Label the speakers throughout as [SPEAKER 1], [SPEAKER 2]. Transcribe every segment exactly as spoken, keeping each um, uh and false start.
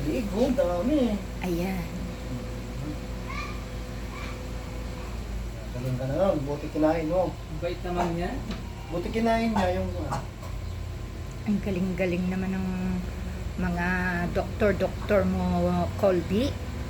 [SPEAKER 1] liig, oh, dami.
[SPEAKER 2] Ayan.
[SPEAKER 1] Galing ka na lang, buti kinain mo.
[SPEAKER 3] Bait naman niya.
[SPEAKER 1] Buti kinain niya yung...
[SPEAKER 2] Ang galing-galing naman ng mga doktor-doktor mo, Colby.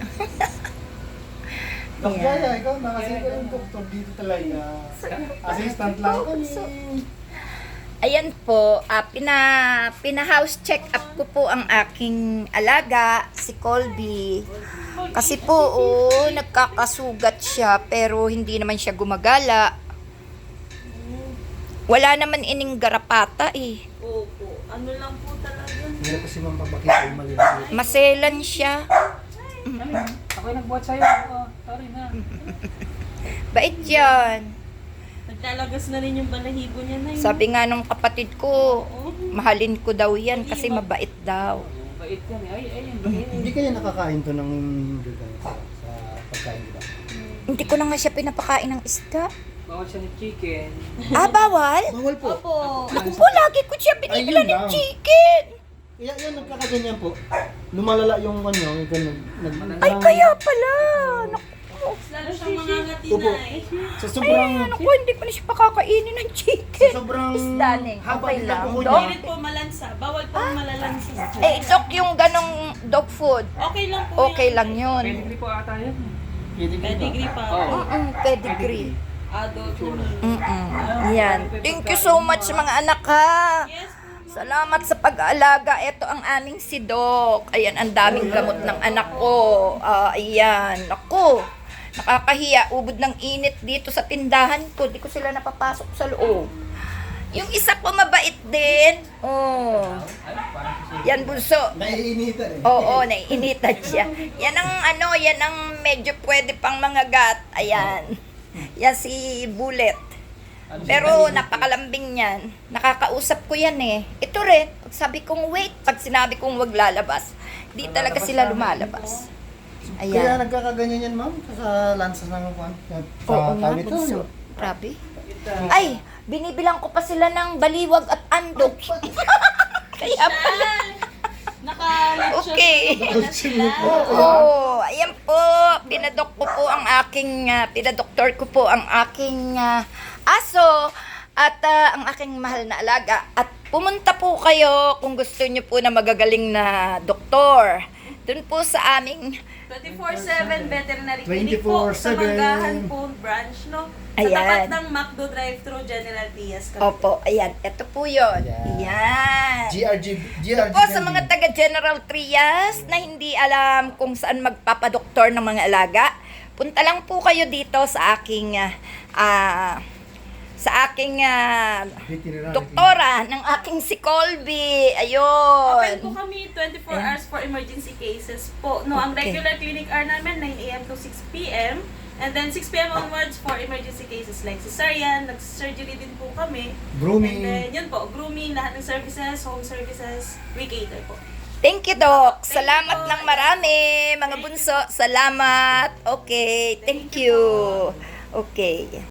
[SPEAKER 1] Dok
[SPEAKER 2] Ayan.
[SPEAKER 1] Jaya, ikaw na kasi ikaw yung doktor dito talaga. Assistant lang kami.
[SPEAKER 2] Ayan po, ah, pina, pina-house check up ko po ang aking alaga, si Colby. Kasi po, oh, nagkakasugat siya, pero hindi naman siya gumagala. Wala naman ining garapata eh.
[SPEAKER 4] Opo. Ano lang po talaga.
[SPEAKER 1] Hindi kasi ma'am papakita yung maliliit.
[SPEAKER 2] Maselan siya.
[SPEAKER 3] Ano yan? Ako'y nagbuhat sa'yo. Oo, sorry na.
[SPEAKER 2] Bait yan.
[SPEAKER 4] Nagtalagas na rin yung balahibo niya na yun.
[SPEAKER 2] Sabi nga nung kapatid ko,
[SPEAKER 4] Oo.
[SPEAKER 2] mahalin ko daw yan kasi mabait daw.
[SPEAKER 3] Bait yan eh. Ay, ay, yan. Bait.
[SPEAKER 1] Hindi kaya nakakain to ng vegan sa, sa pagkain nila.
[SPEAKER 2] Hindi ko na nga siya pinapakain ng isda.
[SPEAKER 3] Bawal siya ng chicken.
[SPEAKER 2] Ah, bawal?
[SPEAKER 1] Bawal po.
[SPEAKER 4] Opo.
[SPEAKER 2] Naku po, lagi ko siya binibila
[SPEAKER 1] Ayun
[SPEAKER 2] ng
[SPEAKER 1] lang.
[SPEAKER 2] chicken.
[SPEAKER 1] Kaya yan, nagkakaganyan po. Lumalala yung ano, yung ganun. Nag,
[SPEAKER 2] Ay, kaya pala. Naku,
[SPEAKER 4] Lalo siyang mga ngati
[SPEAKER 1] Opo.
[SPEAKER 4] na eh.
[SPEAKER 1] Sa
[SPEAKER 2] ay,
[SPEAKER 1] sobrang...
[SPEAKER 2] naku, hindi ko na siya pakakainin ng
[SPEAKER 1] Sa
[SPEAKER 2] chicken.
[SPEAKER 1] sobrang...
[SPEAKER 2] Isda, Neng.
[SPEAKER 1] haba
[SPEAKER 2] Okay
[SPEAKER 1] ng
[SPEAKER 2] lang.
[SPEAKER 1] kuko
[SPEAKER 2] Dok?
[SPEAKER 1] niya.
[SPEAKER 4] Pilit po malansa. Bawal po malalansa.
[SPEAKER 2] Eh, dok, yung ganong dog food,
[SPEAKER 4] Okay lang po
[SPEAKER 2] okay
[SPEAKER 4] yan.
[SPEAKER 2] lang yun.
[SPEAKER 3] Pedigree po ata yun.
[SPEAKER 1] Pwede ka.
[SPEAKER 4] Pedigree pa.
[SPEAKER 3] Oo.
[SPEAKER 2] Mm-mm, pedigree.
[SPEAKER 4] Adult po.
[SPEAKER 2] Mm-mm. Yan. Thank you so much mga anak ha.
[SPEAKER 4] Yes.
[SPEAKER 2] Salamat sa pag-aalaga. Ito ang aming si Doc. Ayan, ang daming gamot ng anak ko. Ah, ayan. Ako, nakakahiya. Ubod ng init dito sa tindahan ko. Di ko sila napapasok sa loob. Yung isa po mabait din. Oh. Yan, bunso.
[SPEAKER 1] Naiinitan eh.
[SPEAKER 2] Oo, naiinitan siya. Yan ang ano, yan ang medyo pwede pang mga gat. Ayan. Yan si Bullet. Pero napakalambing niyan. Nakakausap ko yan eh. Ito rin, pag sabi kong wait, pag sinabi kong wag lalabas, di talaga sila lumalabas.
[SPEAKER 1] Kaya
[SPEAKER 2] Ayan.
[SPEAKER 1] nagkakaganyan yan ma'am sa lansas ng kwan. Sa
[SPEAKER 2] Oo nga,
[SPEAKER 1] tawid to.
[SPEAKER 2] bunso. Grabe. Ay, binibilang ko pa sila ng baliwag at andok. Kaya pala.
[SPEAKER 4] Naka-lecture
[SPEAKER 2] Okay.
[SPEAKER 4] na sila.
[SPEAKER 2] Oo, ayan po, pinadok ko po ang aking, uh, pinadoktor ko po ang aking ah, aso at ah, ang aking mahal na alaga. At pumunta po kayo kung gusto niyo po na magagaling na doktor. Doon po sa aming,
[SPEAKER 4] twenty-four seven veterinary clinic po sa
[SPEAKER 1] twenty-four seven.
[SPEAKER 4] Manggahan po branch, no? Sa
[SPEAKER 2] Ayan.
[SPEAKER 4] tapat ng McDo drive-thru General Diaz. Cavite.
[SPEAKER 2] opo, ayan, ito po yun.
[SPEAKER 1] Ayan.
[SPEAKER 2] Ayan.
[SPEAKER 1] G R G. G R G.
[SPEAKER 2] Po sa mga taga General Trias na hindi alam kung saan magpapadoktor ng mga alaga, punta lang po kayo dito sa aking ah, ah, sa aking ah, doktora ng aking si Colby.
[SPEAKER 4] Open po
[SPEAKER 2] Ayun.
[SPEAKER 4] kami twenty-four
[SPEAKER 2] Ayan.
[SPEAKER 4] hours for emergency cases po. No, ang
[SPEAKER 2] Okay.
[SPEAKER 4] regular clinic hour namin nine a m to six p m And then six p m onwards for emergency cases like cesarean, nag-surgery din po kami.
[SPEAKER 1] Grooming.
[SPEAKER 4] And then yun po, grooming, lahat ng services, home services, we cater po.
[SPEAKER 2] Thank you, Doc.
[SPEAKER 4] Thank
[SPEAKER 2] Salamat
[SPEAKER 4] you po.
[SPEAKER 2] ng marami, mga bunso. Salamat. Okay, thank you. Okay.